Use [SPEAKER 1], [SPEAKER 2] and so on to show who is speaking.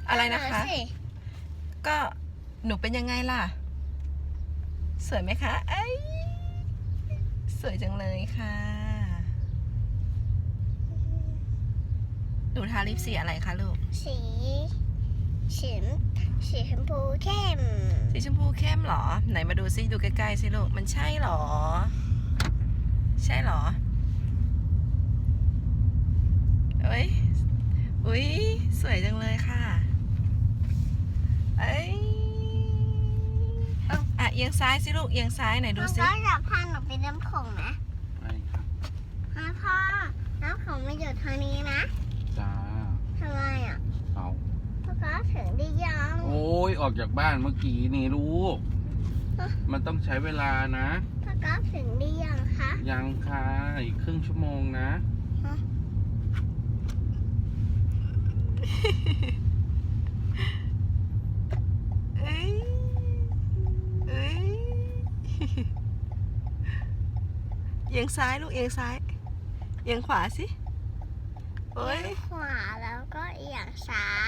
[SPEAKER 1] อะไรนะคะก็หนูเป็นยังไงล่ะสวยไหมคะไอ้สวยจังเลยค่ะหนูทาลิปสีอะไรคะลูก
[SPEAKER 2] สีชมพูเข้ม
[SPEAKER 1] สีชมพูเข้มเหรอไหนมาดูซิดูใกล้ๆสิลูกมันใช่เหรอใช่เหรอเอ้ยอุ๊ยสวยจังเลยค่ะเอ้ยอ่ะเอียงซ้ายสิลูกเอียงซ้ายไหนดูสิ
[SPEAKER 2] ก็จะพาหนูไปน้ำโขงนะ
[SPEAKER 3] ไปครับ
[SPEAKER 2] พ่อน้ำโขงมันอยู่ทางนี้นะ
[SPEAKER 3] จ้า
[SPEAKER 2] ทำไมอ่ะ
[SPEAKER 3] เอา
[SPEAKER 2] พ่อก็ถึงได้ยัง
[SPEAKER 3] โอ้ยออกจากบ้านเมื่อกี้นี่ลูกมันต้องใช้เวลานะ
[SPEAKER 2] พ่อก็ถึงได้ยังคะ
[SPEAKER 3] ยังค่ะอีกครึ่งชั่วโมงนะ
[SPEAKER 1] เอ้ยเอ้ยเอียงซ้ายลูกเอียงซ้ายเอียงขวาสิโอ้ย
[SPEAKER 2] ขวาแล้วก็เอียงซ้าย